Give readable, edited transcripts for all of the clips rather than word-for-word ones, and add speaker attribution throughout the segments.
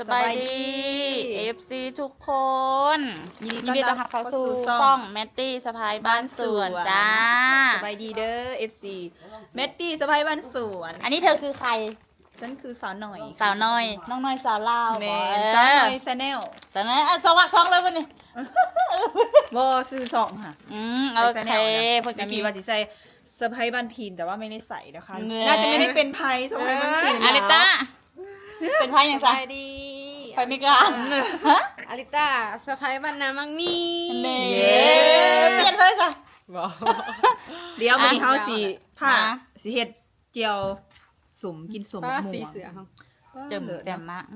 Speaker 1: บายดี FC ทุกคนยินดีต้อนรับเข้าสู่ช่องแมตตี้สะพายบ้านสวนจ้า
Speaker 2: สบายดีเด้อ FC แมตตี้สะพายบ้านสวน
Speaker 1: อันนี้เธอคือใคร
Speaker 2: ฉันคือสาวหน่อย
Speaker 1: สาวน้อย น้องน้อยสาวลาว
Speaker 2: แม่
Speaker 1: สาว
Speaker 2: สาวห
Speaker 1: น้
Speaker 2: น่
Speaker 1: อ
Speaker 2: อย ยแชนแนล
Speaker 1: สาวน้อยสวัสดีเลยวันนี้
Speaker 2: บ่ซื้อสองค่ะ
Speaker 1: โอเคเพื่อน
Speaker 2: เมื่
Speaker 1: จะ
Speaker 2: อ
Speaker 1: มี
Speaker 2: กี้ว่าสิใส่สะพายบ้านพินแต่ว่าไม่ได้ใส่นะคะ
Speaker 1: เนื้อ
Speaker 2: น่าจะไม่ได้เป็นไพ่สะพายบ้านพิน
Speaker 1: อาริต้าเป็นไพ่อย่างไร
Speaker 3: สบายดี
Speaker 1: ไพ่ไม่กล้าฮะ
Speaker 3: อาริต้าสะพายบ้านนามังมี
Speaker 1: นี่เปลี่ยนเลยจ้ะ
Speaker 2: เดี๋ยววันนี้เขาสิผ้า
Speaker 1: อ่ะ
Speaker 2: สิเฮ็ดเจียวสุ่มกินสุ่ม
Speaker 3: ป้า
Speaker 2: หมู
Speaker 3: สีเสือเขา
Speaker 1: เจิมแจ่มมา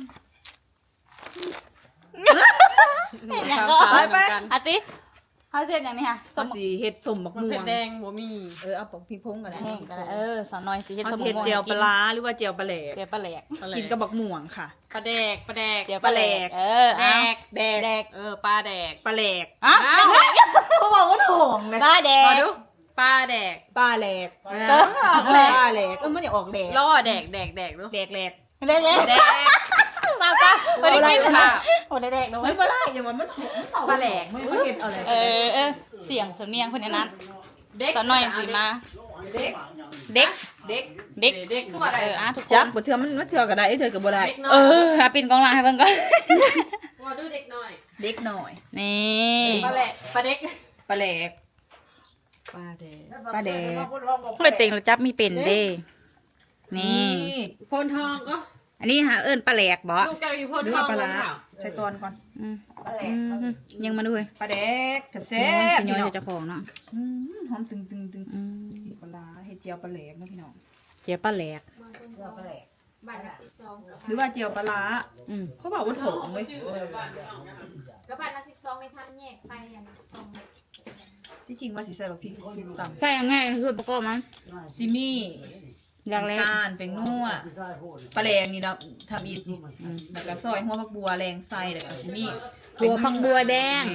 Speaker 2: ไป
Speaker 1: อาติเขาเสร็จอย่างนี้ค่ะส
Speaker 2: เขา
Speaker 1: ม
Speaker 2: สิเฮ็ดสุ่มบัก
Speaker 3: มัน
Speaker 2: ม่ว
Speaker 3: เผ็
Speaker 2: ง
Speaker 3: ดแดงบ่มี
Speaker 2: เอาปอกพริกพงกันนะ
Speaker 1: แห้งกันสาวน้อยสิเฮ็ด
Speaker 2: เขา
Speaker 1: สม
Speaker 2: สิเฮ็ด
Speaker 1: ม่วง
Speaker 2: เจียวปลาร้าหรือว่าเจียวปลาแหลก
Speaker 1: เจียวปลาแหลก
Speaker 2: กินกับบักม่วงค่ะ
Speaker 3: ปลาแดกปลาแดก
Speaker 1: เจียวปลาแหลก
Speaker 3: แด
Speaker 1: เอา
Speaker 3: ก
Speaker 2: แดก
Speaker 1: แดก
Speaker 3: ปลาแดก
Speaker 2: ปลาแหลก
Speaker 1: อ่ะ
Speaker 2: เขาบอกว่าถ่องเลย
Speaker 1: ปลาแด
Speaker 3: มาก ดูปลาแดก
Speaker 2: ปลาแหลก
Speaker 3: เอ
Speaker 2: ป
Speaker 3: อ
Speaker 2: ลาแหลกมันอยากออกแดก
Speaker 3: ล่อแดกแดกแดกดู
Speaker 2: แดกแหลก
Speaker 1: เล็ก
Speaker 3: แดก
Speaker 1: ๆมาปะไม่ได้กิน
Speaker 3: ค่ะ
Speaker 1: โอ้แดกๆนะ
Speaker 2: ไม่
Speaker 1: เว้ย
Speaker 2: ได้อย่างมันหอม
Speaker 3: ปลาแหลก
Speaker 2: ไม่เห็นเอาเลย
Speaker 1: เสียงสำเนียงคนนั้น
Speaker 3: เด็ก
Speaker 1: ตอนน้อยสิมา
Speaker 2: เด็ก
Speaker 1: เด็ก
Speaker 2: เด็ก
Speaker 1: เด็ก
Speaker 3: เด็กคือว่าอะไร
Speaker 1: ทุกค
Speaker 2: จับ
Speaker 1: น
Speaker 2: บ่เทื่อมันเทื่อก็ได้เทื่อก็บ่ได้
Speaker 3: เด็กน้อย
Speaker 1: ปินกองหลังให้เบิ่งก่อน
Speaker 3: ว่าดูเด็กน้อย
Speaker 2: เด็กหน่อย
Speaker 1: นี่
Speaker 3: ปลาแหลกปลาเด็ก
Speaker 2: ปลาแหลก
Speaker 3: ปลาแดก
Speaker 2: ปลาแดก
Speaker 1: ไม่เต็งเราจับมีเป็นเด้นี่
Speaker 3: โพนทองก็
Speaker 1: อันนี้หาเอิญปลาแหลกบ่
Speaker 3: ลูกแกอยู่โพน
Speaker 2: หรือ
Speaker 3: ทอ
Speaker 2: ว่าง ปลาร้า
Speaker 3: เปล่
Speaker 2: ใช้ตอนก่อน
Speaker 1: อืมยังมาด้วย
Speaker 2: ปลาแดกแซ่บ
Speaker 1: สิ
Speaker 2: ๆ
Speaker 1: ย้
Speaker 2: พี่
Speaker 1: อย
Speaker 2: น้อง
Speaker 1: เจ้าของเนาะ
Speaker 2: หอมตึงตึงตึง
Speaker 1: อืม
Speaker 2: ปลาร้าเฮ็ดเจียวปลาแหลกนะพี่น้อง
Speaker 1: เจียวปลาแหลก
Speaker 3: บ้านละ12
Speaker 2: หรือว่าเจียวปลาร้า
Speaker 1: อืม
Speaker 2: เขาบอกว่าถ่องเว้ย
Speaker 4: ก็บ้านละ12ไม่ทันแยกไปอย่างสอง
Speaker 2: ที่จริงว่าสิใส่บักพริกสูตร
Speaker 1: ใช่ยังไงส่วนประกอบมัน
Speaker 2: ซิมี่
Speaker 1: อย่างแรก
Speaker 2: น้ำตาลเป็นนัวปลาแรงนี่นะทำอีกนี่แล้วก็ซอยหัวผักบัวแรงใส่แล้วก็ซิมี่
Speaker 1: หัวพังบัวแดง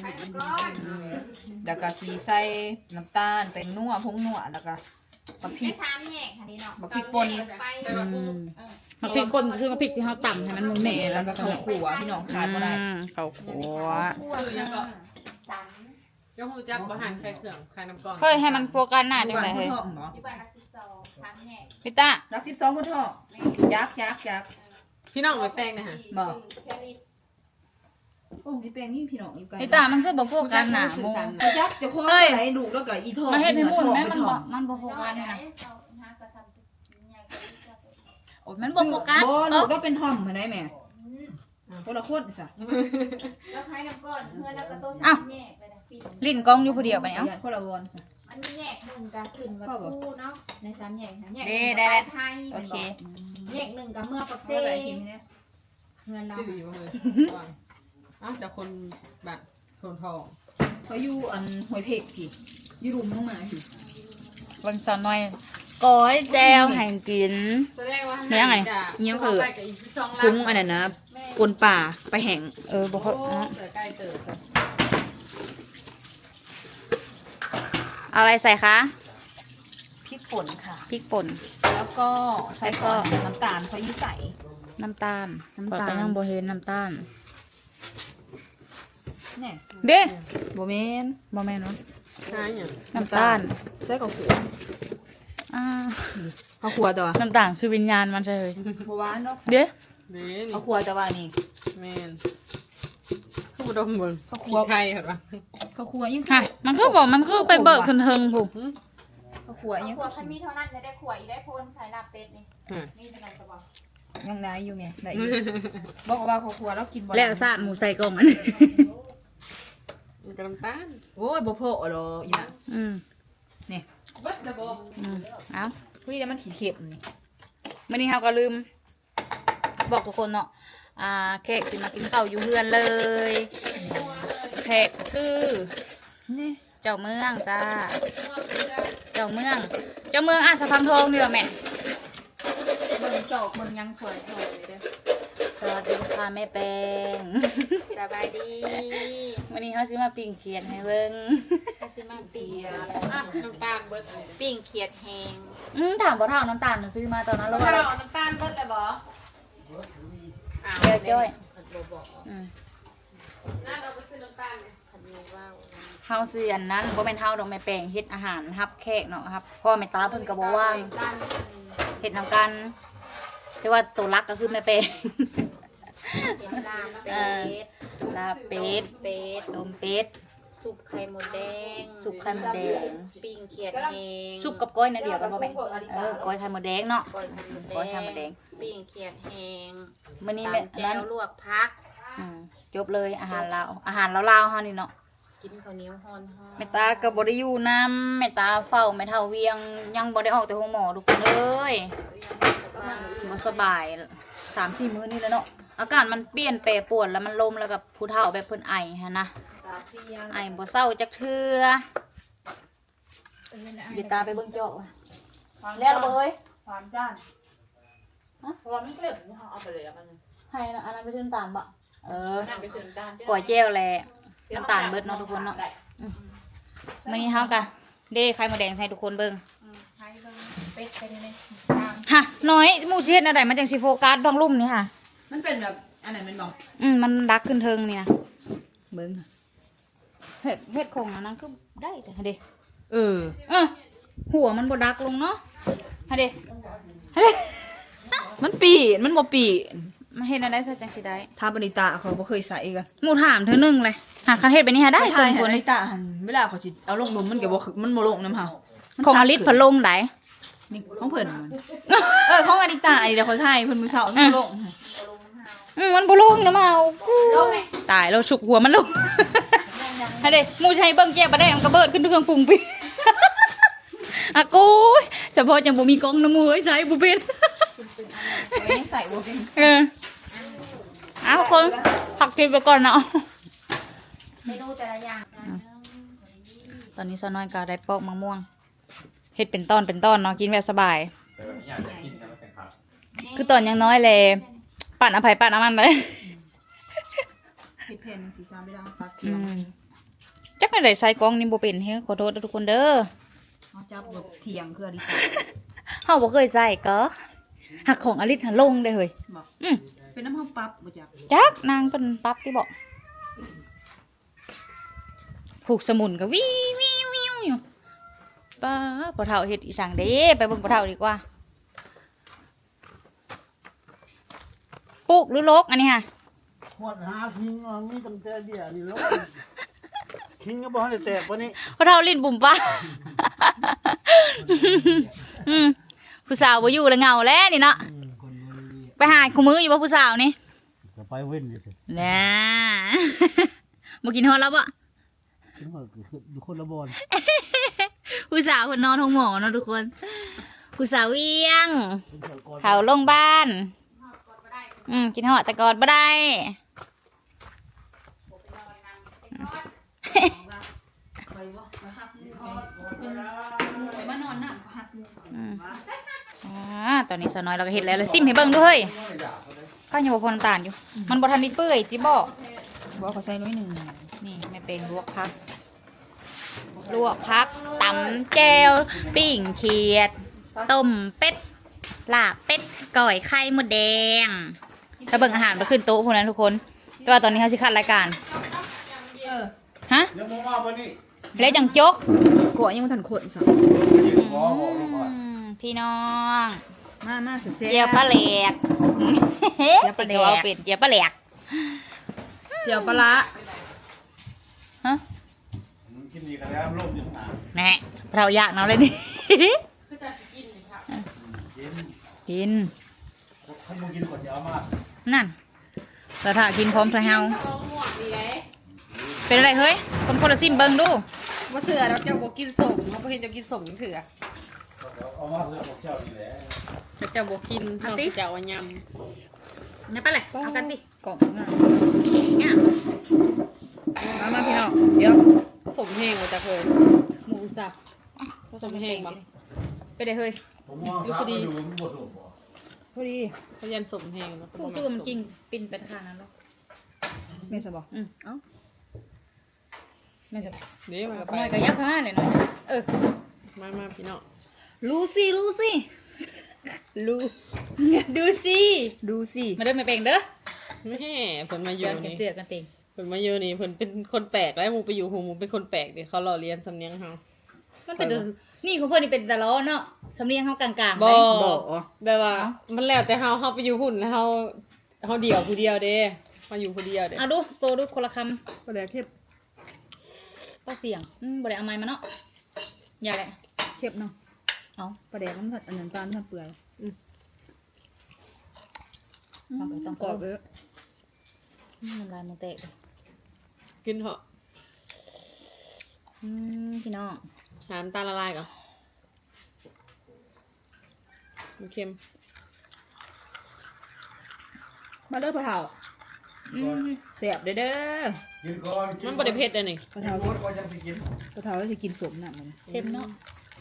Speaker 2: แล้วก็สีใส่น้ำตาลเป็นนัวพงนัวแล้วก็บักพริ
Speaker 4: ไม่
Speaker 2: ก
Speaker 4: ทามแยกค่ะนี่เนาะ
Speaker 2: บักพริกป่น
Speaker 4: ไป
Speaker 1: อืมมะพริกป่นคือมะพริกที่เขาต่ำให้มันมุน
Speaker 2: แหน่แล้วก็ข้าวขัวพี่น้องขาดบ่ได้
Speaker 1: ข้าวขัว
Speaker 4: ทั่วสัน
Speaker 3: ยกหูจับบ่หันใครเครื่องใครน้ำกล่อง
Speaker 1: เฮ้ยให้มันโฟกัสหน้าจัง
Speaker 2: บ้าน
Speaker 1: ไร
Speaker 2: พุ
Speaker 1: เฮ้ย
Speaker 2: ทองเหรอ
Speaker 4: ที่บ้านละ12ทามแยก
Speaker 1: พี่ต้า
Speaker 2: รัก12พุทองยักษ์
Speaker 3: พี่น้องไปแป้งนะฮะ
Speaker 2: บอก
Speaker 4: แค่นี้
Speaker 2: โอ้พี่แป้งนี่พี่น้องอยู่ไกล
Speaker 1: พี่ต้ามันคือบ่โฟกัสหน้าโม
Speaker 2: ยักษ์จะคว้าอะไรดูแล้วก็อีทอง
Speaker 1: มาเฮ็ดให้มุ่นแม่
Speaker 2: ไป
Speaker 1: มัน
Speaker 2: ท
Speaker 1: บ่
Speaker 2: อง
Speaker 1: มันบ่โฟ
Speaker 4: น้อ
Speaker 1: กั
Speaker 4: ย
Speaker 1: ส
Speaker 4: ไหน
Speaker 1: นี่นะ
Speaker 4: เอาหากระทำใหญ่กว่าที่จะ
Speaker 1: โอ้ยมันบ่โฟกัส
Speaker 2: บ่ลูกเราเป็นทอมเหมือนไหนแม่คนละคนซะ
Speaker 4: แล้วใช้น้ำก้อนเพื่อแล้วก็โต๊ะสามแยกไปนะปี
Speaker 1: ลิ้นกองอยู่ผู้เดียวไปเนี่ย
Speaker 2: คนละวอนซะ
Speaker 4: อันนี้แยกหนึ่งกับขึ้นวัดคู่เนาะในสามแยกนะแยก
Speaker 1: ได้
Speaker 4: ไทย
Speaker 1: โอเค
Speaker 4: แยกหนึ่งกับเมื่อปักเซ่
Speaker 2: อะไรทีนี้
Speaker 4: เงินเรา
Speaker 3: จืดอยู่เลยอ้าวจากคนแบบโพนทอง
Speaker 2: เขาอยู่อันหวยเพกพี่อยู่รุมลงมาพี่
Speaker 1: เบิ่งสาวน้อยก้อยแจวให้กิน
Speaker 3: แสดงว่า
Speaker 1: เลี้ยงไง
Speaker 2: คุ้งอันนั้นนะปนป่าไปแห่ง
Speaker 1: บ่เขา
Speaker 3: ใกล้เติบ
Speaker 1: เอาอะไรใส่คะ
Speaker 2: พริกป่นค่ะ
Speaker 1: พริกป่น
Speaker 2: แล้วก็ใส่ก่อนน้ำตาลเขายี่ใส่
Speaker 1: น้ำตาล
Speaker 2: น้ำตาล
Speaker 1: ข้อยก็ยังบ่เห็นน้ำตาล
Speaker 2: เนี่ย
Speaker 1: เด้
Speaker 2: โบเมน
Speaker 1: บ่แม่นเนาะ
Speaker 3: ใช่เนี่ย
Speaker 1: น้ำตาล
Speaker 2: ใส่ข้าวขัว
Speaker 1: อ่า
Speaker 2: ข้าวขัวตัว
Speaker 1: น้ำตาลคือวิญญาณมันใช่เลย
Speaker 2: เพราะว่าเนาะ
Speaker 1: เด้
Speaker 3: เน่นี่
Speaker 2: ข้าวขัวแต่ว่านี่
Speaker 3: แมนข้าวดมบน
Speaker 2: ข้าว
Speaker 3: ขี
Speaker 2: คั่ว
Speaker 3: ไทยเหรอปะ
Speaker 2: ข้าวขัวยัง
Speaker 1: ค่ะมันคือบอกมันคือไปเบิกเพิ่นเทิงผู้
Speaker 2: ข้าวขัวยัง
Speaker 4: ขวดฉันมีเท่านั้นไม่ได้ขวดอีได้โพนใส่ลาบเป็ดนี่นี่เป็นอะไรจะบอก
Speaker 2: ยังได้อยู่ไงได้อยู่บอกว่าข้าวขัวแล้วกินบ่ได้
Speaker 1: แล้วซาดหมูใส่กล่องอัน
Speaker 3: มันกระลำตาล
Speaker 2: โอ้ยบ่พอหรอกอีน่ะ
Speaker 1: อืม
Speaker 2: นี่
Speaker 3: เบิดระบบ
Speaker 1: เอา
Speaker 2: เฮ้ยแล้วมันขี้เข็มนี่
Speaker 1: มื้อนี้เฮาก็ลืม บอกทุกคนเนาะแขกสิมากินข้าวอยู่เฮือนเลยแขกคือ
Speaker 2: นี่
Speaker 1: เจ้าเมืองจ้าเจ้าเมืองอ่ะสะพังทองนี่เหรอแม่
Speaker 4: เบิ่งจอกเบิ่งยังถอยถอยเลยเด้อ
Speaker 1: สวัสดีค่ะแม่แปง
Speaker 4: สบายดี
Speaker 1: วันนี้เขาซื้อมาปิ้งเขียดให้เบิ่ง
Speaker 4: ข้าซื้อมาปี
Speaker 3: อ่ะน้ำตาลเบิดอะไร
Speaker 4: ปิ้งเขียดแหง
Speaker 1: ถามบ่ถามน้ำตาลน่ะซื้อมาตอนนั้น
Speaker 3: เรา
Speaker 1: แล้วว่า
Speaker 3: น้ำตาลเบิดเลยบ่
Speaker 1: เดี๋ยวจ้อยเฮาซื้ออันนั้นบ่แม่นเฮาดอกแม่แปลงเฮ็ดอาหารรับแขกเนาะครับพ่อแม่ตาเพิ่นก็บ่ว่างเฮ็ดนำกันแต่ว่าตัวรักก็คือแม่แปลง ลาบเป็ดต้มเป็ด
Speaker 4: ซุปไข่มดแดง
Speaker 1: สุกไข่มดแดง
Speaker 4: ปิ้งเขียดแห้ง
Speaker 1: สุกกับก้อยนั่นเดียวกันบ่แม่ก้อยไข่มดแดงเนาะ
Speaker 4: ก้อยไข่มด
Speaker 1: ก้อยไข่มด
Speaker 4: แด
Speaker 1: แด
Speaker 4: ง
Speaker 1: ง
Speaker 4: ปิ้งเขียดแห้ง
Speaker 1: มื้อนี้
Speaker 4: ตำ
Speaker 1: แม่
Speaker 4: แจ่
Speaker 1: นั้น
Speaker 4: วลวกพัก
Speaker 1: จบเลยอาหารลาวๆเฮานี่เนาะ
Speaker 4: กินข้าวเหนียวฮ้อน
Speaker 1: แม่ตาก็บ่ได้อยู่นำแม่ตาเฝ้าแม่เฒ่าเวียงยังบ่ได้ออกแต่โรงหมอทุกคนเอ้ยบ่สบาย 3-4 มื้อนี่แล้วเนาะอากาศมันเปลี่ยนแปรปรวนแล้วมันลมแล้วกับผู้เฒ่าแบบเพิ่นไอหั่นนะไอบ่เศร้าจักเทื่อเดี๋ยวตาไปเบิ่งเจาะว่ะแล้วบ่เอ้ย
Speaker 2: ความจ้านเพราะว่ามันเกลือเอาไปเลยแล้วมัน
Speaker 1: ให้นะอันนั้นไปซื้อน้ำตาลบ่
Speaker 2: นั่นไปซื้อน้ำตาล
Speaker 1: ก๋วยเจียวแหละน้ำตาลเบิดเนาะทุกคนเนาะมื้อนี้เฮาก็เด้ไข่มดแดงใส่ทุกคนเบิ่ง
Speaker 4: ไข่เบิ่งเป็ดไปเลย
Speaker 1: ฮะน้อยหมู่สิเฮ็ดอันใดมันจังสิโฟกัสท้องลุ่มนี่ค่ะ
Speaker 2: มันเป็นแบบอันไหนมันบอก
Speaker 1: มันดักขึ้นเทิงนี่นะเบิ่งเฮ็ดของอันนั้นก็ได้แต่เด้
Speaker 2: เออ
Speaker 1: หัวมันบ่ดักลงเนาะเด้เด้
Speaker 2: มันปีนมันบ่ปีน
Speaker 1: มาเฮ็ดอันใดซะจังสิได้
Speaker 2: ทาปณิตาเขาบ่เคยใส่กัน
Speaker 1: หมู่ถามเธอนึงเลยหากคันเฮ็ดแบบนี้หาได้สองคน
Speaker 2: ป
Speaker 1: เล
Speaker 2: ณิ
Speaker 1: ย
Speaker 2: ตาหันเวลาเขาสิเอาลงนมมันก็บ่มันบ่ลงน้ำเฮา
Speaker 1: ของอลิศพัดลมได้
Speaker 2: นี่ของเพิ่นมันของอนิตาอันนี้เดี๋ยวเขาถ่ายเพิ่นมื้อเช้ามันบ่ลง
Speaker 1: มันบ่ลงนะมาเอาตายแล้วฉุกหัวมันลงให้เด้หมู่ใช้เบิ่งแก้บ่ได้มันก็เบิดขึ้นเครื่องปรุงปิอะกูเฉพาะจังบ่มีกล้องน้ำมือใช้บ่เป็น
Speaker 2: ใส่บ่เป็น
Speaker 1: เอาคนผักกินไปก่อนเนาะ
Speaker 4: เมนูแต่ละอย่าง
Speaker 1: ตอนนี้ซะน้อยก็ได้ปอกมะม่วงเฮ็ดเป็นตอนเนาะกินแบบสบาย
Speaker 5: แต่แบบนี้อยากจะกินนะมันเป็นผัก
Speaker 1: คือตอนยังน้อยเลยปั่นอภัยปั่นน้ำมันเลย
Speaker 2: เฮ็ดแผ่นสีซ้ำไม่ได้ปักเที
Speaker 1: อื
Speaker 2: ยม
Speaker 1: มจักไม่ได้ใส่กล้องนี่บ่เป็นเฮ้ยขอโทษทุกคนเด้อ
Speaker 2: เอาจับแบบเถียงคืออนิตา
Speaker 1: เฮาบ่เคยใส่ก็หักของอลิศหันลงได้เฮ้ย
Speaker 2: บอก
Speaker 1: อืม
Speaker 2: เป็นน้ำเฮาปั๊บบ่จัก
Speaker 1: จักนางเป็นปั๊บที่บอกผูกสมุนก็วิวอยู่ป้าปะเฒ่าเฮ็ดอีสังเด้ไปเบิ่งปะเฒ่าดีกว่าปลูกหรือลกอันนี้ค่ะ
Speaker 6: ขวดหาทิ้งเอามีตั้งแต่เดียวนี่แล้วทิ้งก็บ่ให้แตกปะนี่
Speaker 1: ปะเฒ่าลิ้นบุ่มป้า ผู้สาวบ่อยู่แล้วเหงาแล้วนี่เนาะ
Speaker 6: คนบ่ดี
Speaker 1: ไปหาคู่มืออยู่บ่ผู้สาวนี่
Speaker 6: ก็ไปเว้นดิสิ
Speaker 1: น่ บ่กินฮอดแล้วบ่
Speaker 6: ถึงว่าคืออยู่คนละบอน
Speaker 1: ผู้สาวเพิ่นนอนห้องหมอเนาะทุกคนผู้สาวเวียง
Speaker 6: เป็นสากล
Speaker 1: เขาลงบ้านกินหอดแต่กอดบ่ได้
Speaker 2: ไปบ่ไปหักมือไปมานอนน่ะหักมือ
Speaker 1: ตอนนี้สาวน้อยเราก็เห็นแล้วเลยซิมให้เบิ่งด้วยข้าวเหนียวพอน้ำตาลอยู่ มันบ่ทันนิดเปื่อยจิบอกบอกเขาใส่น้อยหนึ่งนี่ไม่เป็นลวกพักตำแจวปิ้งเขียดต้มเป็ดลาบเป็ดก่อยไข่มดแดงถ้าเบิ่งอาหารไปขึ้นโต๊ะพวกนั้นทุกคนแต่ว่าตอนนี้เขาสิคัดรายการฮะ
Speaker 5: ยังมองว่าวันนี้
Speaker 1: แล้วจังจก
Speaker 2: กลัวยังบ่ทันขนซะ
Speaker 5: ยืนขอบอกลงก่อน
Speaker 1: พี่น้อง
Speaker 2: มาสุดเจ๊
Speaker 1: เจียวปลาแหลก
Speaker 2: เจียวปลาแหลก
Speaker 1: เอาเป็นเจียวปลาแหลก
Speaker 2: เจียวปลาร้า
Speaker 1: ฮะ
Speaker 5: กินดีกันแล้วร่มอยู่หา
Speaker 1: แน่เราอยากเนาเลยนี่ กิน
Speaker 5: ถ้ามึงกินก่อนจะเอามา
Speaker 1: นั่นเราถ่ากินพร้อมทะเฮาเป็นอะไรเฮ้ยคนละซิมเบิงดู
Speaker 3: ว่าเสือเราจะบอกกินส่งเราเห็นจะกินส่งยังถือ
Speaker 5: เอามาเพื่อบอกเจ้าดีแหละ
Speaker 3: จะบอกกินเอาติจะเอาย
Speaker 1: นี่ไปเลยเอากันดิ
Speaker 2: กล่องง่าย
Speaker 1: เนี่ย
Speaker 2: มาพี่น้องเดี๋ยว
Speaker 3: ำสมแห้งมาจากเลย
Speaker 1: หมูสับ
Speaker 3: สมแห้งบ้าง
Speaker 1: ไปเลยเฮ้ย
Speaker 5: ผมมองซ้ายไปดูมันบดสูบบ่
Speaker 2: พอดี
Speaker 3: เขายันสมแห้งแล้ว
Speaker 1: ผู้สู้มันกินปินไปทางนั้นหรอ
Speaker 2: แม่สบอก
Speaker 1: เอ้าไม่จะ
Speaker 3: เดี๋ยวมาไป
Speaker 1: น้อยก็ยักษ์ห้าเลยเนาะ
Speaker 3: มาพี่น้อง
Speaker 1: รู้สิดูสิ
Speaker 2: ดูสิ
Speaker 1: มาเดินมาเป่งเด้อ
Speaker 3: แม่เพิ่นมาอ
Speaker 1: เยื่
Speaker 3: ยู่
Speaker 1: อกัน
Speaker 3: นี่
Speaker 1: เสือกันติง
Speaker 3: เพิ่นมาอยู่นี่เพิ่นเป็นคนแปลกแล้วหมูไปอยู่หูหมูเป็นคนแปลกดิเขาหล่อเรียนสำเนียงเฮา
Speaker 1: มันเป็นนี่ของเพื่อนนี่เป็นตะล้อเนาะสำเนียงเขากลางๆ
Speaker 3: บ่
Speaker 1: ไหม
Speaker 3: แบบว่า มันแล้วแต่เฮาไปอยู่หุ่นแล้วเฮาเดี่ยวผู้เดียวเด้มาอยู่ผู้เดียวเด้
Speaker 1: เอาดูโซดูคนละค
Speaker 2: ปลาแดกเข้ม
Speaker 1: ำก็เสียงบ่ได้เอาไม้มาเนาะอย่าแหละ
Speaker 2: เข้มเนาะ
Speaker 1: เอา
Speaker 2: ปลาแดกมันผัดอันนั้นปลามันผัดเปื่อย
Speaker 1: ต้องไปต้อง
Speaker 2: กรอบเลย
Speaker 1: มันลายมันแตกเลย
Speaker 3: กินเถอะ
Speaker 1: พี่น้อง
Speaker 3: หาน้ำตาลละลายก่อนมันเค็ม
Speaker 2: มาเด้อปลาเผาเสียบเด้อ
Speaker 5: กินก่อน
Speaker 3: มันบ่ได้เผ็ดเลยนี่
Speaker 2: ปลา
Speaker 5: เท่า
Speaker 2: เผา
Speaker 5: ก่อนยังสิกิน
Speaker 2: ปลาเผาแล้วจะกินสมน่ะมัน
Speaker 1: เค็มเนาะ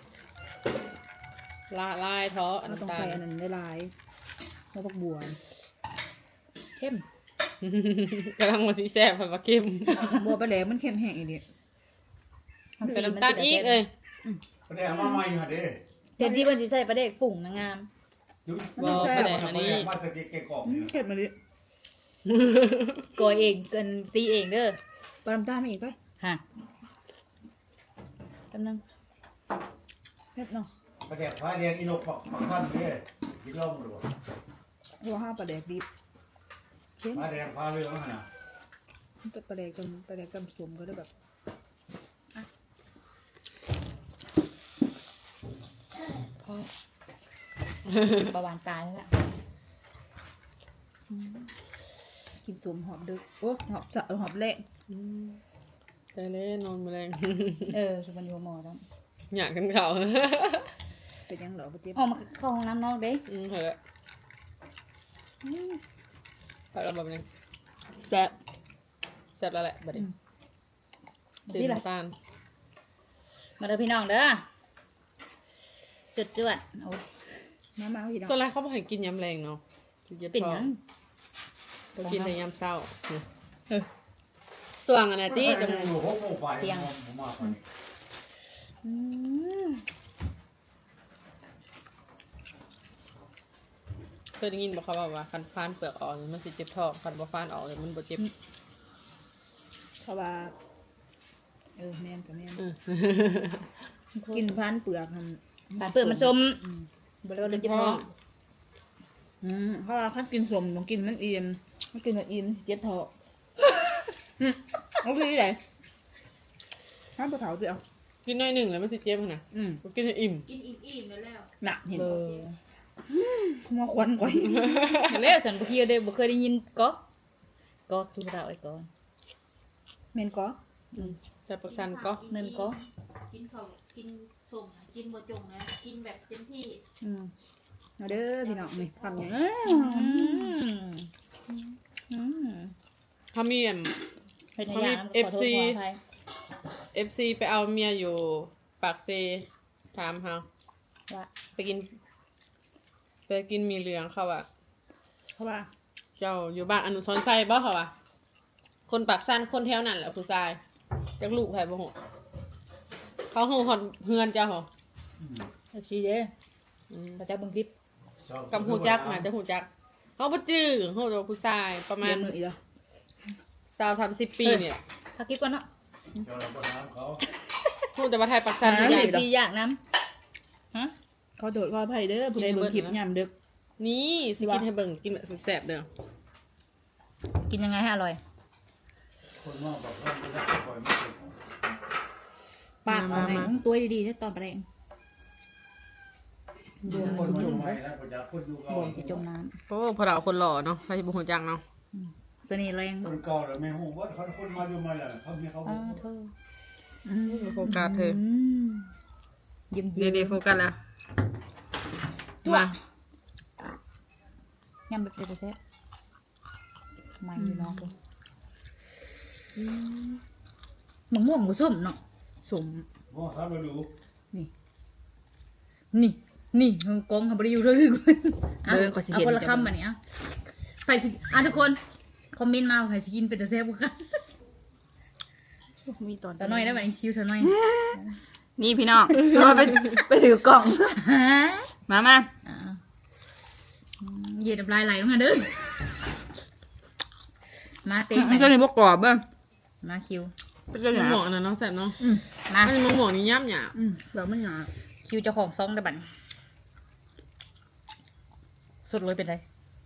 Speaker 3: ละลายเถอะ
Speaker 2: เราต้อง
Speaker 3: น้ำตา
Speaker 2: ใส่
Speaker 3: ล
Speaker 2: อันนั้นได้ลายหัวผักบัว
Speaker 1: เข้ม
Speaker 3: กำลังมาสิแซ่บผัดว่าเค็ม
Speaker 2: บัวปลาแดกมันเข้มแห้งอีดิ
Speaker 3: ใส่น้ำตาลอีกเอ้ย
Speaker 5: ประเดี๋ยวมาใหม่ค่ะเด้
Speaker 1: เห็นที่เพิ่นสิใส่ประเด็กปุ่งนางงาม
Speaker 3: บ่ประเด็นอันนี้
Speaker 5: มาตะกี้แกกรอบนี่
Speaker 2: เข้มมาดิ
Speaker 1: กอยเองเกินตีเองเด้อ
Speaker 2: ปลาน้ำตาลไม่อีกไป
Speaker 1: ฮะกำลัง
Speaker 2: เผ็ดเนาะ
Speaker 5: ประเดี๋ยวฟ้าแดงอีนกปักสั้นเด้กินเหล้าหมดวะ
Speaker 2: หัวห้าปลาแดกดิบ
Speaker 5: ฟ้าแดงฟ้าเหลืองน่ะ
Speaker 2: ปลาแดกกันปลาแดกกันสมก็ได้แบบ
Speaker 1: ประวานตายแล้วล่ะ
Speaker 2: กินสมหอบดึกโอ้หอบสะหอบแรง
Speaker 3: ใจเล่นนอนแมลง
Speaker 1: สุวรรณโยหมอแล้ว
Speaker 3: อยากกันเขา
Speaker 2: เป็นยังเหรอปะเจี๊ยบ
Speaker 1: ออกมาเข้าห้องน้ำนอกเด้
Speaker 3: เหอะไปแล้วแบบนี้
Speaker 2: แซ่บ
Speaker 3: แซ่บแล้วแหละบัดนี้ตื่น
Speaker 1: นี่แหละ
Speaker 3: น้ำตาล
Speaker 1: มาเด้อพี่น้องเด้อจวดโอ้ย
Speaker 2: มาพี่น้อง
Speaker 3: ส่วนไรเขาบอกให้กินยำแรงเนาะกินเยอะ
Speaker 1: เป็น
Speaker 3: พอ
Speaker 1: หยัง
Speaker 3: ก็กินแต่ยำเศร้าส่วงอันนั้นที่
Speaker 5: จะอยู่6 โมงไปผมมาไป
Speaker 1: อืม
Speaker 3: เคยได้ยินบอกเขาว่าคันฟานเปลือกออกมันสิเจ็บท้องคันบ่ฟานออกเลยมันบ่เจ็บ
Speaker 2: เขาว่าแม่นกับแม่น
Speaker 3: อืม
Speaker 2: กินพันเปลือกมัน
Speaker 1: ปลาเปลือกมันส้มบริวารเลยเจ็บท้อง
Speaker 2: เขาว่าคันกินสมต้องกินมันอิ่มมันกินมันอิ่มเจ็บท้องโอเคไหนห้ามปลาเผาด้วยเอา
Speaker 3: กินน้อยหนึ่งแล้วมันสิเจ็บขนาดบ่กินให้อิ่ม
Speaker 4: กินอิ่มๆแล้วแล้ว
Speaker 2: หนักเห็น
Speaker 1: เอ
Speaker 2: บ่
Speaker 1: อ
Speaker 2: มาควันก่อน
Speaker 1: แล้วฉันบ่เคยได้บ่เคยได้ยินก็ทุกเราไอ้ก่อน
Speaker 2: เมนก็
Speaker 3: แต่ประชันก็
Speaker 1: เนินก็
Speaker 4: กินข้าวกินส้มกินบ่จงนะกินแบบเต็มที่
Speaker 2: มาเด้อพี่น้องนี่ทำอย่าง
Speaker 3: ถ้ามีอัน
Speaker 1: เป็นอย่างนั้นขอโทษขออภัย
Speaker 3: FC ไปเอาเมียอยู่ปากเซถามเฮา
Speaker 1: ว่า
Speaker 3: ไปกินมีเหลืองเขาอะ
Speaker 2: เขาว่า
Speaker 3: เจ้าอยู่บ้านอนุสรณ์ไซบ่เขาอะคนปากสั้นคนแถวนั้นแหละผู้ชายจักลูกไผบ่ฮู้เขาฮู้ฮอดเฮือนเจ้าเหรอ
Speaker 1: เอาชี้เด้เขาจะเบิ่งคลิป
Speaker 3: กับฮู้จักน่ะจะฮู้จักเขาบ่จื้อฮู้แต่ว่าผู้ชายประมาณ
Speaker 2: เรียนมืออีกแล้ว
Speaker 3: 20-30 ปีเนี่ย
Speaker 1: พักคลิปก่อนเนาะ
Speaker 5: เจ้าเราก็น้ำเขา
Speaker 3: ฮู้แต่ว่าไทยปากสั้น
Speaker 1: อ
Speaker 3: ผู้ใหญ่
Speaker 1: ยากชี้อยากน้ำฮะ
Speaker 2: เขาโดดขออภัยเด้อผู้ใดเบิ่งคลิปยามดึก
Speaker 3: นี่สิกินให้เบิ่งกินแบบแซ่บๆเด้อ
Speaker 1: กินยังไงให้อร่อย
Speaker 5: คนมากบอกว่าไม่ได้คอยไม่เป็นของ
Speaker 1: ปากมาตัวดีๆถ้าตอนแรง
Speaker 5: คนอยู่ใหม่แล้วก็จะคนอยู่เก่า
Speaker 1: บ่มจะจมน้
Speaker 3: โอ้พอเราคนหล่อเนาะใครสิบ่ฮู้จักเนาะ
Speaker 1: ำเสน่ห์แรง
Speaker 5: คนเก่าแล้วไม่หูว่าเขาคนมาอยู่ใหม่แล้วเขามีเขา
Speaker 1: เธอ
Speaker 3: โฟกัสเธอ
Speaker 1: เยี่ยม
Speaker 3: เดี๋ยวๆโฟกัสแล้วมา
Speaker 1: ยำแบบเซ็ตๆไม่พี่น้องมะม่วงผสมเนาะสม
Speaker 5: มองซ้ำเราดู
Speaker 1: นี่กองเขาบริยูเรื่องเอาคนละคำอันนี้อ่ะใครสิทุกคนคอมเมนต์มาใครสิกินเป็นตัวแซ่บกัน
Speaker 2: มีตอน
Speaker 1: สะน้อยได้ไหมคิวสะน้อย
Speaker 2: นี่พี่น้องมาไปถือกล่อง มา
Speaker 1: เย็นน้ำลายไหลลงมาเด้อมาติ๊ก
Speaker 2: มันก็เลยบ่กรอบเบ้อ
Speaker 1: มาคิว
Speaker 2: เป็นก็ห
Speaker 3: มะ
Speaker 2: ยา
Speaker 3: ม่วง
Speaker 2: บ
Speaker 3: อันนั้นเนาะแซ่บเนาะ
Speaker 1: มา
Speaker 3: อันนี้มะม่วงนี่ย่ำหยาบ
Speaker 2: แบบมันหยาบ
Speaker 1: คิวเจ้าของซองได้บัดสุดเลยเป็นไร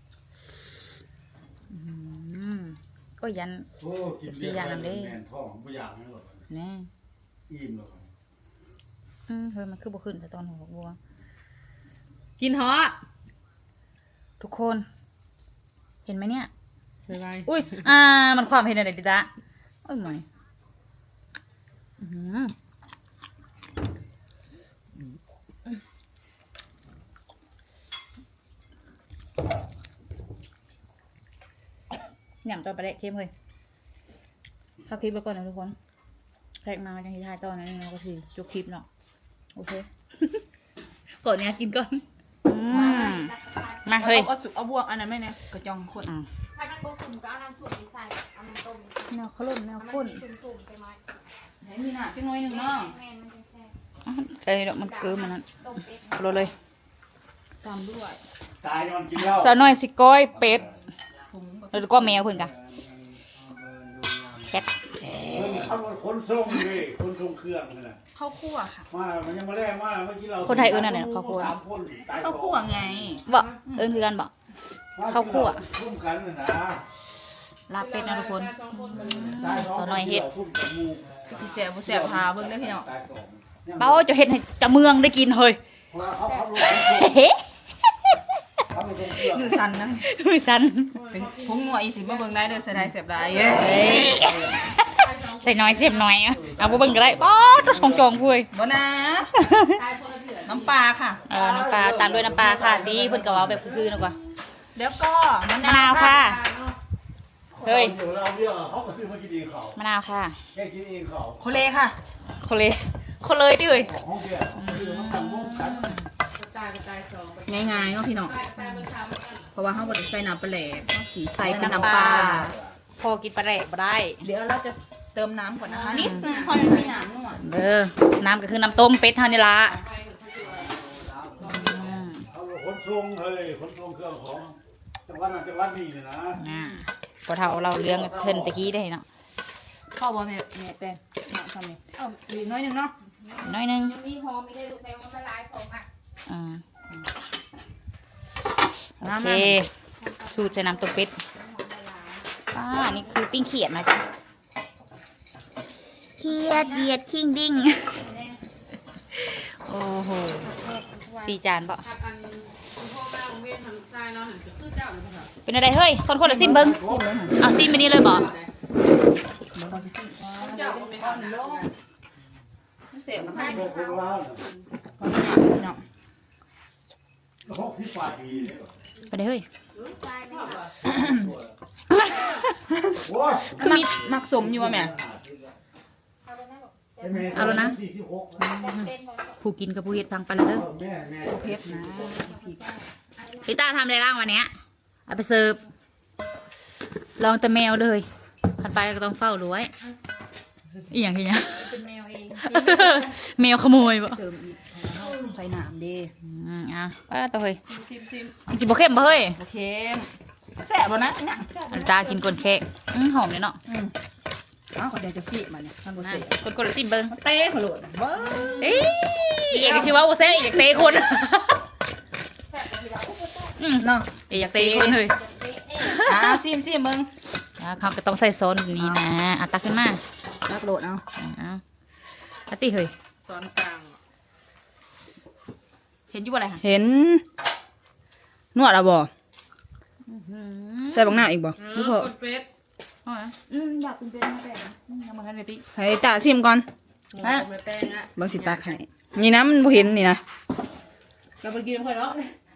Speaker 1: ก็ยัน
Speaker 5: โอ้กินเบียร์ไปแม่นท้องบ่อยากให้หรอก
Speaker 1: แน่
Speaker 5: อิ่มหรอก
Speaker 1: เฮ้ยมันคือบ่ขึ้นแต่ตอนหัวบัว
Speaker 3: กินเหาะ
Speaker 1: ทุกคน เห็นไหมเนี่ย
Speaker 3: บ๊ายบาย
Speaker 1: อุ้ยมันความเห็นอะไรดิจ๊ะโอ้ยหมอยอื้อหือหยำตัวปลาเละเค็มเลยถ้าคลิปไปก่อนนะทุกคนแรกมาจังที่ท้ายตอนนั้นเราก็คือจุกคลิปเนาะโอเค ก่อนเนี้ยกินก่อนมาเฮ้ย
Speaker 2: เอาสุกเอาบวกอันนั้นไม่เนี่ยกระจองคน
Speaker 4: ถ้ามันบ่สุ่มก็เอาน้ำสุ่มไปใส่เอาน้ำต้ม
Speaker 1: แนวขลุ่นแนว
Speaker 4: มัน
Speaker 1: ข้น
Speaker 4: สิสุ่มๆไปไหม
Speaker 2: ไหนมีหน้าเป็นน้อยหนึ่งเนาะ
Speaker 4: แม่นมันจะแซ่บ
Speaker 1: เอ้ยดอกมันเกินมันนั้น
Speaker 4: ต้มเป็ด
Speaker 1: เอาเลย
Speaker 2: ตามด้วย
Speaker 5: ตายยอนกินเหล้า
Speaker 1: สาวน้อยสิก้อยเป็ดแล้วก็แมวเพิ่นกันแคท
Speaker 5: เขาคนส่งเลยคนส่งเครื่องนั่นน่ะ
Speaker 2: ข้าวคั่วค่ะ
Speaker 5: มามันยังมาแรกมาเมื่อกี้เรา
Speaker 1: คนไทยเอิ้นอันไหนข้าวคั่ว
Speaker 5: สามคนตาย
Speaker 2: ข้าวคั่วไง
Speaker 1: บ่เอิ้นคือกันบ่ ข้าวคั่ว
Speaker 5: ร่วมกันน่ะนะ
Speaker 1: ลาบเป็ดนะทุกคน
Speaker 5: ตายสอง
Speaker 1: ตัวน้อยเฮ็ด
Speaker 5: ทุ่มจมูก
Speaker 2: สิแสบบ่แสบพาเบิ่งได้อพี่น้อง
Speaker 5: ตายสอง
Speaker 1: เป้าจะเฮ็ดให้จะเมืองได้กินเฮ้ย
Speaker 5: เพราะว่าเขาลงเครื่อง
Speaker 1: เฮ้
Speaker 5: เขาลงเครื่อง
Speaker 2: มือสั่นนะ
Speaker 1: มือสั่น
Speaker 2: เป็นพุงงัวอีสิมาเบิ่งได้เด้อเสียดายแสบได้
Speaker 1: เฮ้ยใส่น้อยเสียบน้อยอะเอาบ่เบิ่งก็ได้ป๊อดของจองคุย
Speaker 2: บ่นะน้ำปลาค่ะ
Speaker 1: น้ำปลาตามด้วยน้ำปลาค่ะดีเพิ่นก็เว้าแบบคือๆนะกว่า
Speaker 2: แล้วก็มะ
Speaker 1: มะนาวค่ะ เฮ้ย
Speaker 5: ดี๋วเราเรียกเขาก็ซื้อมากินเองเขา
Speaker 1: มะนาวค่ะ
Speaker 5: แค่กินเองเขา
Speaker 2: โคเลค่ะ
Speaker 1: คนเลยคนเลยดิเฮ้ย
Speaker 5: ห้องเบียร์ซื้อมาสั่งร่วมกัน
Speaker 2: ง่ายๆเนาะพี่น้องเพราะว่าเฮาบ่ได้ใส่น้ำปลาแหลกเฮาสิใส่เป็นน้ำปลา
Speaker 1: พอกินปลาแหลกบ่ได้
Speaker 2: เดี๋ยวเราจะเติมน้ำก่อนนะคะนิดนึงพอยังไม่หยาบนัว
Speaker 1: เด้อน้ำก็คือน้ำต้มเป็ดเฮานี่ล่ะ
Speaker 5: เขาคนส่งเฮ้ยคนส่งเครื่องของจังหวัดนั้นจังหวัดนี้เนี่ยนะ
Speaker 1: พอเท่าเราเรื่องเพิ่นตะกี้ได้เนาะ
Speaker 2: พ่อบ่แม่แป้งเนาะทำนี่เอาอีกน้อยหนึงเนาะ
Speaker 1: น้อยหนึง
Speaker 4: ยังมีหอมมีได้ลูกใส่มันละลายของอ่ะ
Speaker 1: อ่าโอเคสูตรใส่น้ำต้มเป็ดนี่คือปิ้งเขียดนะจ๊ะเขียดเหยียดคิงดิ้งโอ้โห4 จานเปล่า
Speaker 3: ผักอันคุณพ่อแม่ของเวียนทางซ้ายเนาะหันคือเจ้าเลยค่ะ
Speaker 1: เป็นอะไรเฮ้ยคนละซิมเบิ้งเอาซิมไปนี่เลยบ่
Speaker 3: เจ้าไม่เข้าหนา
Speaker 2: เสียบนะคะ
Speaker 5: พวกคนว่า
Speaker 2: พอหยาบพี่น้อง
Speaker 5: 60 บาทดีเลย
Speaker 1: ไปเลยเฮ้ย
Speaker 5: โอ้ย
Speaker 2: คือมีมักสมอยู่ว่ะแม่
Speaker 1: เอาแล้วนะ
Speaker 5: 46
Speaker 1: ผู้กินกับผู้เฮ็ดฟังไปแล้วเด้อ
Speaker 5: แม่แม่
Speaker 2: เพชรนะ
Speaker 1: พี่ตาทำอะไรบ้างวันเนี้ยเอาไปเสิร์ฟลองแต่แมวเลยผ่านไปก็ต้องเฝ้าดูไว้อีกอย่างที่เนี้ย
Speaker 4: เป็นแมวเอง
Speaker 1: แมวขโมยบ่
Speaker 2: เติมอีกใส่น้ำเด้
Speaker 1: อ่ะป้าตัวเฮ้ย
Speaker 3: ซิม
Speaker 1: จิบบ่เข้มบ่เฮ้ย
Speaker 2: โอเคแซ่บบ่นะเนี่ย
Speaker 1: อันตากินก้นแค่หอมเลยเนาะ
Speaker 2: อ้าวก็เดี๋ยวจะสิมาเนี่ยท่านบ่
Speaker 1: นะ
Speaker 2: เสีย
Speaker 1: ก้นซิมเบิ้ง
Speaker 2: เต้ขลุ่นเบ้อ
Speaker 1: เอ้ยอยากจะชื่อว่าโอเซ่อยากเตะคน
Speaker 2: เนาะ
Speaker 1: อยากเตะคนเลย
Speaker 2: ซิมมึง
Speaker 1: เขาก็ต้องใส่ซอสแบบนี้นะอ่ะตักขึ้นมา
Speaker 2: รักโหลดเอา
Speaker 1: เอาอาติเฮ้ย
Speaker 3: ซ้อนกลาง
Speaker 1: เห็นอยู่บ่อะไรคะ
Speaker 2: เห็นนวดเอาบ่ใส่บังหน้าอีกบ่หรือพอก
Speaker 3: ดเฟส
Speaker 1: อยากเป็นเป็นแต่ยังมาทันเลยพี่
Speaker 2: ให้ตาซิมก่อน
Speaker 3: ฮะไม่แป้งละ
Speaker 2: บ่สิตาไข่นี่นะมันบ่เห็นนี่นะ
Speaker 3: กับไปกินค่อยเนาะ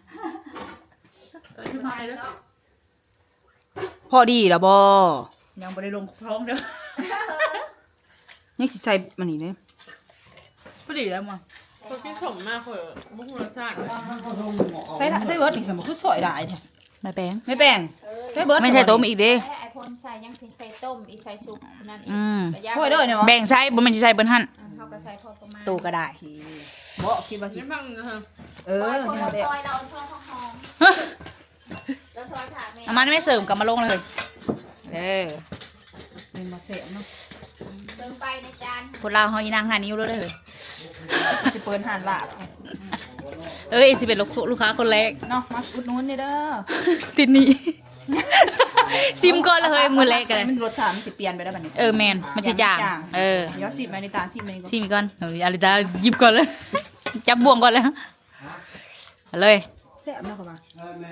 Speaker 2: พอดีแล้วบ่
Speaker 1: ยังไม่ได้ลงพร้อมเด้อ
Speaker 2: นี่สิใส่มันนี่เด้
Speaker 1: พอดีแล้วมั้ง
Speaker 3: คนที่สมมากเลยบุ้งรสชาติ
Speaker 2: ใส่เบิร์ดนี่สมมุติคือซอยได้แท้
Speaker 1: ไม่แป้ง
Speaker 2: ไม่แป้งใส่เบิร์ด
Speaker 1: ไม่ใช่ต้มอีกเด้
Speaker 4: ไอ้พ่นใส่ยังใส่ต้มอีกใส่ซุปนั่นอีก
Speaker 2: โอ้ยเด้อเนี่ยบ่
Speaker 1: แบ่งใช้บ่แมันจะใช้เบิ้ลหั่น
Speaker 4: เขาก็ใส่พอประมาณ
Speaker 1: ตูก็ได้
Speaker 2: บ่คิดว่าสิ
Speaker 3: นี่ฟังนะฮะ
Speaker 4: คน
Speaker 2: นี่
Speaker 4: เรา
Speaker 2: เด้
Speaker 4: ซอยเราช่วยหอมแล้วซอยถาดแม่
Speaker 1: เอามันไม่เสริมกลับมาลงเลย
Speaker 2: เป็นมาเสียเนาะ
Speaker 4: เติมไปในจาน
Speaker 1: คนเราวเฮาอีนางหานิ้วแล้วเลย
Speaker 2: จะเปิดหานลาบ
Speaker 1: เอ้ยสิเป็นลูกค้าคนแรก
Speaker 2: เนาะมาอุดหนุนนี่เด้อ
Speaker 1: ติดหนี้ ซิมก่อนเลยเฮ้ยมือแรกกันเลย
Speaker 2: มันรสชาติมันจะเปลี่ยนไปได้แบบนี้
Speaker 1: แมนมันจะจางเออ
Speaker 2: เดี๋ยวชิมมาในตาชิมมาในก่อน
Speaker 1: ชิมอีกก่อนเฮ้ยอาริตาหยิบก่อนเลย จับบ่วงก่อนเลยเอาเลย
Speaker 2: แซ่บเนาะครับว่า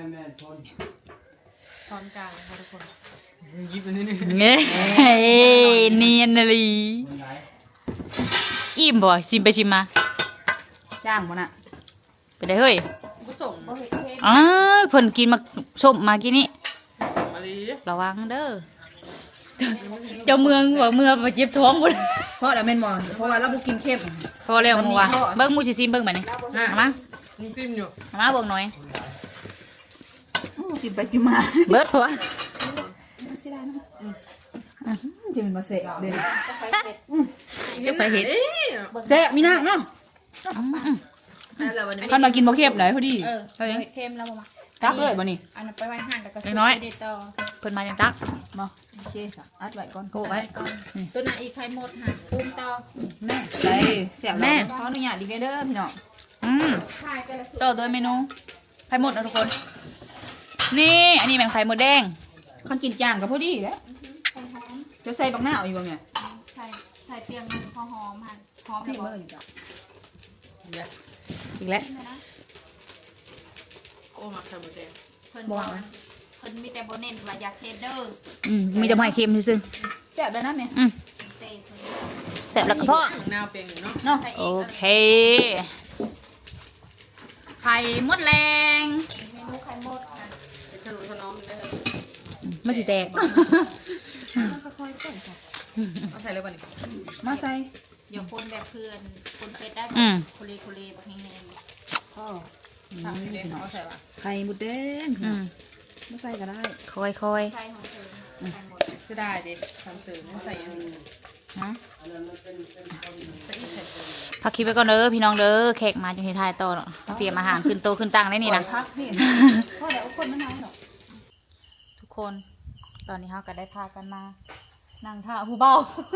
Speaker 3: ตอนกลางค่ะทุกคนยิบอันนี้
Speaker 1: เงี้ยเนียนเลยอิ่มบ่ชิมไปชิมมา
Speaker 2: จ้างบ่น่ะ
Speaker 1: ไปได้เฮ้ย
Speaker 3: ผสม
Speaker 4: โอ้เห็ดเค็ม
Speaker 1: อ้าวเพิ่นกินมาส้มมากินนี่
Speaker 3: มะลิ
Speaker 1: ระวังเด้อเจ้าเมืองว่าเมืองมาเจ็บท้องหมด
Speaker 2: เพราะอะไรแม่นบ่เพราะว่าเราบ่กินเค็ม
Speaker 1: พอแล้วมัวเบิ้งมูสิซิมเบิ้งไปนี่เอามา
Speaker 3: มึงจิ้มอยู่
Speaker 1: เอามาเบิ้งหน่อย
Speaker 2: ชิมไปชิมมา
Speaker 1: เบิดพอ
Speaker 2: จะเป็นมาเสียเด้อ
Speaker 1: เดี๋ยวไปเห็ด
Speaker 2: แซ่บมีนักเนาะ
Speaker 3: แล้ววันนี้
Speaker 2: คันมากินบ่เค็มเลยพอดี
Speaker 4: เห็ดเค็มแล้วบ่มา
Speaker 2: ตักเลยบ่นี่
Speaker 4: อันนั้นไปไว้หั่นแล้วก็
Speaker 1: น้อย
Speaker 4: เด็ดต่อ
Speaker 1: เพิ่นมาจังตัก
Speaker 2: มาโอเคค่ะอัดไว้ก่อน
Speaker 1: โกไว้
Speaker 4: ตัวน่ะอีกไข่หมดหั่นปรุงต่อ
Speaker 2: แม่ได้แซ่บ
Speaker 1: แม่
Speaker 2: ขออนุญาตดีเด้อพี่น้อง
Speaker 4: ไข่แต่ละสูตร
Speaker 1: ต่อโดยเมนูไข่หมดนะทุกคน นี่อันนี้แมงไข่หมดแดง
Speaker 2: คันกินจ้างก็พอดีแหล้ว
Speaker 4: ไข่หอม
Speaker 2: จะใส่บักหน้าเอาอยู่บ่แม่
Speaker 4: ใส่เปียงหอมหั่นหอม
Speaker 2: พี่
Speaker 4: แล้ว
Speaker 2: เบิ่
Speaker 4: บ่
Speaker 2: งจ้ะ
Speaker 1: อีกแล้ว
Speaker 3: โอ้มาไข่หมดแดง
Speaker 4: เพิ่นบอกว่าเพิ่นมีแต่บ่เน้นว่าอยากเฮ็ดเด้อ
Speaker 1: มีแต่ไม้เค็มซื่อ
Speaker 2: แซ่บได้นะแม่
Speaker 4: เต้เพิ่น
Speaker 1: แซ่บแล้วก็พอ
Speaker 3: นาวเปียงอยู่เนาะ
Speaker 2: เนาะ
Speaker 4: ใส่
Speaker 1: โอ
Speaker 4: อีก
Speaker 1: เคไข่หมดแรง
Speaker 4: เมนูไข่หมดค่ะ
Speaker 3: ขนมขนมได้
Speaker 1: ไม่สิแตก
Speaker 3: เอาใส่เลยป่ะนี่
Speaker 2: มาใส่
Speaker 4: เดี๋ยวคนแบบเพื่อนคนเป็ดได้
Speaker 1: อืม
Speaker 4: โคเลบักแห้ง
Speaker 2: ก็
Speaker 3: ทำเด็กเอาใส่ป่ะ
Speaker 2: ไข่หมดแดง มาใส่ก็ได้
Speaker 1: ค่อย
Speaker 4: ๆใส่ของเธอไข่หมด
Speaker 3: เสียดายดิทำสื่อไม่ใส่ยัง
Speaker 1: ๆฮะ
Speaker 3: ใส่อีกใส่ตัว
Speaker 1: พักคลิปไปก่อนเด้อพี่น้องเด้อแขกมาจนที่ทายต่อเนาะเตรียมอาหารขึ้นโตะขึ้นตังได้นี่นะ
Speaker 2: พักนี่เพราะเดี๋ยวคนมันน้อยหรอก
Speaker 1: ทุกคนตอนนี้เราก็ได้พากันมานั่งท่าผู้เบา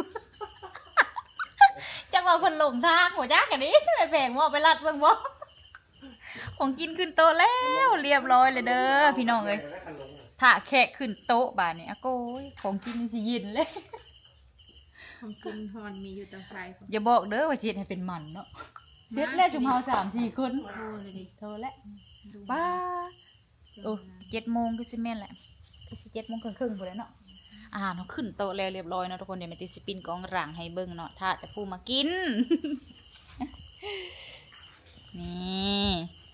Speaker 1: จังหวะคนหลงทางหัวจักกันนี้ไปแผงว่าไปรัดเบิ่งบ่ของกินขึ้นโต๊ะแล้วเรียบร้อยเลยเด้อพี่น้องเอ้ยถ้าแขกขึ้นโต๊ะบาดนี้อะโก้ยของกินนี่สิยินเลย
Speaker 4: ของกินฮอนมีอยู่ตรงไฟ
Speaker 1: อย่าบอกเด้อว่าเจ็ดให้เป็นมันเนาะเจ็ดแล้วชุมเฮา3-4 คน
Speaker 4: โทรเลยดิ
Speaker 1: โทรแล้วบ้าโอ้7 โมงก็สิแม่นแหละก็สิ7 โมงครึ่งๆพุ่นแหล้วเนาะอาหารเขาขึ้นโต๊ะแล้วเรียบร้อยเนาะทุกคนเดี๋ยวแม่ติสิปินกองหลังให้เบิ่งเนาะถ้าแต่ผู้มากิน นี่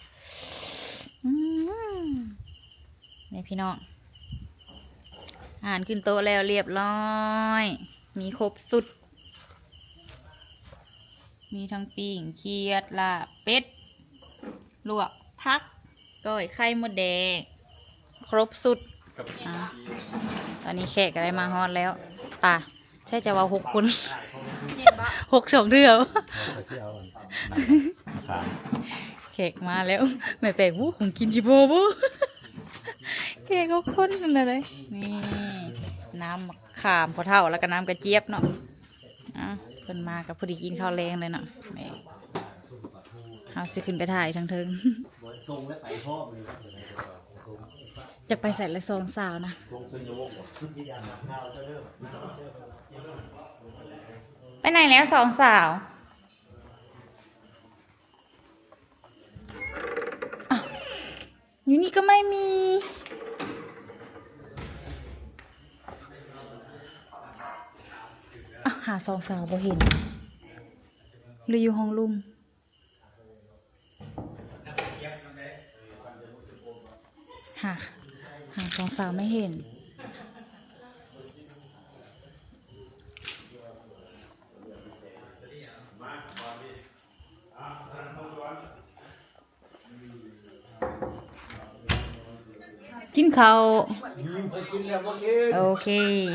Speaker 1: นี่พี่น้องอาหารขึ้นโต๊ะแล้วเรียบร้อย มีครบสุด มีทั้งปิ้งเคียดลาบเป็ดลวกพักก้อยไข่มดแดงครบสุดอ่ะตอนนี้แขกอะไรมาฮอดแล้วป่ะใช่จะว่า6 คน 6 2 เดือแขกมาแล้วแม่แปลกวู้ของกินจิโบบูแขก6 คนนั่นเลยนี่น้ำมะขามพอเท่าแล้วก็น้ำกระเจี๊ยบเนาะอ่ะเพิ่นมากับพอดีกินข้าวแรงเลยเนาะนี่เอาสิขึ้นไปถ่ายทั้งเทิง จะไปใส่ละ2 สาวนะไปไหนแล้ว2 สาวอ้าวอยู่นี่ก็ไม่มีหา2 สาวบ่เห็นหรืออยู่ห้องลุงหา2 สาวไม่เห็นกินข้าว
Speaker 5: กินแล้วเมื่อกี้
Speaker 1: โอเค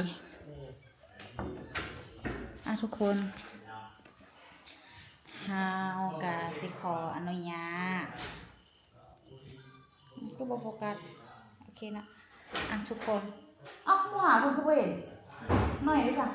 Speaker 1: ทุกคนฮาวกาสิขออนุญาตก็บอกโฟกัสโอเคนะทุกคนหาคุณผู้ว้ยหน่อยดิจ้ะ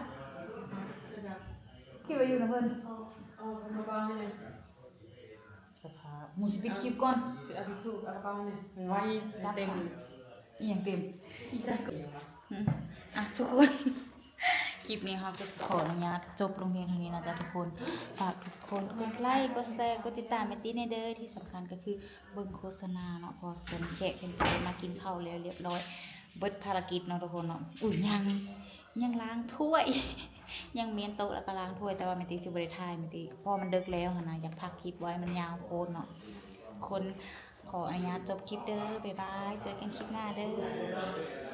Speaker 1: คิดว่าอยู่นะเพิ่น
Speaker 3: เอากระเป๋าให้เลย
Speaker 1: สภาพหมูสิปิดคลิปก่อน
Speaker 3: สิเอาทิชชู่เอากระเป๋าให้เลยไว้เต็ม
Speaker 1: อีหยังเต็ม
Speaker 3: ที่ได้ก็ยังวะ
Speaker 1: อ่ะทุกคน คลิปนี้ค่ะก็ขออนุญาตจบลงเพียงเท่านี้นะจ๊ะทุกคน ฝากทุกคนกดไลค์ กดแชร์ กดติดตามแมตตี้ในเด้อที่สำคัญก็คือเบิ่งโฆษณาเนาะพอเป็นแขกเป็นไปมากินข้าวแล้วเรียบร้อย เบิดภารกิจเนาะทุกคนเนาะอุ้ยยังล้างถ้วย ยังเมียนโต๊ะแล้วก็ล้างถ้วยแต่ว่าแมตตี้จะบริทายแมตตี้เพราะมันดึกแล้วค่ะนะอยากพักคลิปไว้มันยาวโคตรเนาะคนขออนุญาตจบคลิปเด้อบ๊ายบายเจอกันคลิปหน้าเด้อ